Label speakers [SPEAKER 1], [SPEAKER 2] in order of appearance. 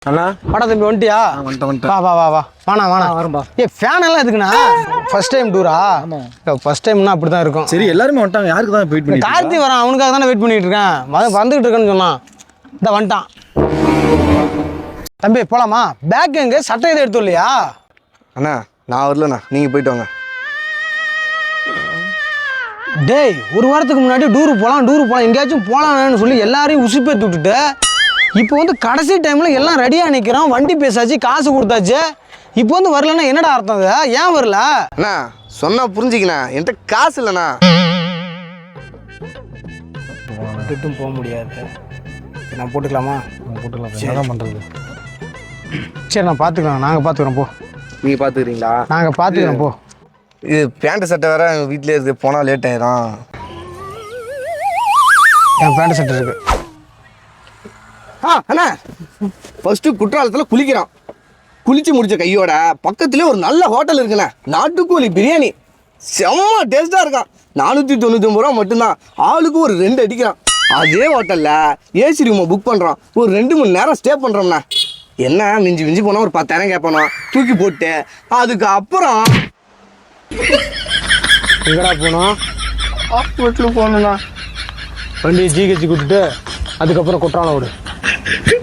[SPEAKER 1] அண்ணா
[SPEAKER 2] வாடா தம்பி வந்துட்டியா? வா வா வா வா வாணா வாணா
[SPEAKER 1] வரும்பா.
[SPEAKER 2] ஃபேன் எல்லாம் எதுக்குண்ணா? ஃபர்ஸ்ட் டைம் டூரா? ஃபர்ஸ்ட் டைம்னா அப்படி தான் இருக்கும்.
[SPEAKER 1] சரி எல்லாருமே வந்துட்டாங்க. யாருக்கு தான் வெயிட் பண்ணி
[SPEAKER 2] கார்த்தி வரான், அவனுக்காக தானே வெயிட் பண்ணிட்டு இருக்கேன். வந்துகிட்டு இருக்கேன்னு சொன்னான். இந்த வந்துட்டான் தம்பி. போலாமா? பேக் எங்க? சட்டை எதுவும் எடுத்து இல்லையா?
[SPEAKER 3] அண்ணா நான் வரலண்ணா, நீங்கள் போயிட்டு வாங்க.
[SPEAKER 2] டேய், ஒரு வாரத்துக்கு முன்னாடி டூரு போகலாம் எங்கேயாச்சும் போகலான்னு சொல்லி எல்லாரையும் உசுப்பேற்றி விட்டுட்டு இப்போ வந்து கடைசி டைமில் எல்லாம் ரெடியாக நிற்கிறோம். வண்டி பேசாச்சு, காசு கொடுத்தாச்சு. இப்போ வந்து வரலன்னா என்னடா அர்த்தம்? அது ஏன் வரல?
[SPEAKER 3] அண்ணா சொன்னா புரிஞ்சிக்கண்ணா, என்கிட்ட காசு இல்லைண்ணா.
[SPEAKER 2] விட்டுட்டும் போக முடியாது. நான் போட்டுக்கலாமா?
[SPEAKER 1] போட்டுக்கலாம். என்ன பண்ணுறது?
[SPEAKER 2] சரி நான் பார்த்துக்கலாம். நாங்கள் பார்த்துக்குறோம் போ.
[SPEAKER 3] நீங்கள் பார்த்துக்கிறீங்களா?
[SPEAKER 2] நாங்கள் பார்த்துக்குறோம் போ.
[SPEAKER 3] இது பேண்ட்டு சட்டை வேறு எங்கள் வீட்டிலே இருக்குது, போனால் லேட் ஆயிரும்.
[SPEAKER 2] என் பேண்ட் சட்டை இருக்கு.
[SPEAKER 3] அண்ணா ஃபஸ்ட்டு குற்றாலத்தில் குளிக்கிறோம். குளிச்சு முடிச்ச கையோட பக்கத்துலேயே ஒரு நல்ல ஹோட்டல் இருக்குண்ணே. நாட்டுக்கோழி பிரியாணி செம்ம டேஸ்ட்டாக இருக்கான். 499 ரூபா மட்டும்தான். ஆளுக்கு ஒரு 2 அடிக்கிறான். அதே ஹோட்டலில் ஏசி ரூமை புக் பண்ணுறோம். ஒரு 2 மணி நேரம் ஸ்டே பண்ணுறோம்ண்ணா. என்ன மிஞ்சி மிஞ்சி போனால் ஒரு 10,000 கேட்பானோ, தூக்கி போட்டு அதுக்கப்புறம்
[SPEAKER 2] எங்கடா போனோம்?
[SPEAKER 3] ஹாஸ்பிட்டலுக்கு போகணுண்ணா.
[SPEAKER 2] வண்டியை ஜிஹெச் கூட்டிட்டு அதுக்கப்புறம் குற்றாலம் விடு.